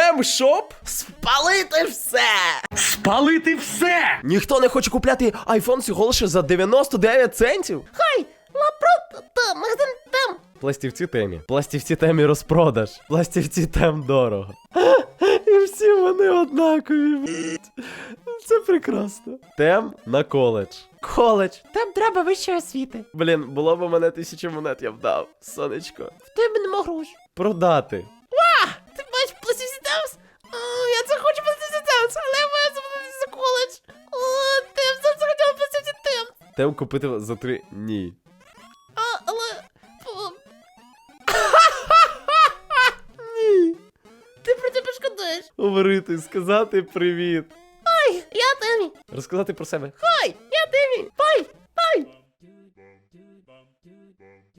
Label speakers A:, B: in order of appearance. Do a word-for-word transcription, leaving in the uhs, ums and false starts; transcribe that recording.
A: Тем, щоб спалити все.
B: Спалити все!
A: Ніхто не хоче купляти айфон всього лише за дев'яносто дев'ять центів.
C: Хай, лапрот, та, магазин там.
A: Пластівці темі. Пластівці темі розпродаж. Пластівці тем дорого. І всі вони однакові, блядь. Це прекрасно. Тем на коледж. Коледж.
C: Там треба вищої освіти.
A: Блін, було б у мене тисячу монет, я б дав. Сонечко.
C: В тебе нема грошей.
A: Продати.
C: Ти бачиш пластівці Темс? Я це хочу пластівці Темс, але я маю заплатити за коледж. О, Темс, я це хотіла пластівці Темс.
A: Тем купити за три ні.
C: А, але... фу.
A: Ні.
C: Ти про тебе шкодуєш.
A: Говорити, сказати привіт.
C: Ой, я Темі.
A: Розказати про себе.
C: Хай,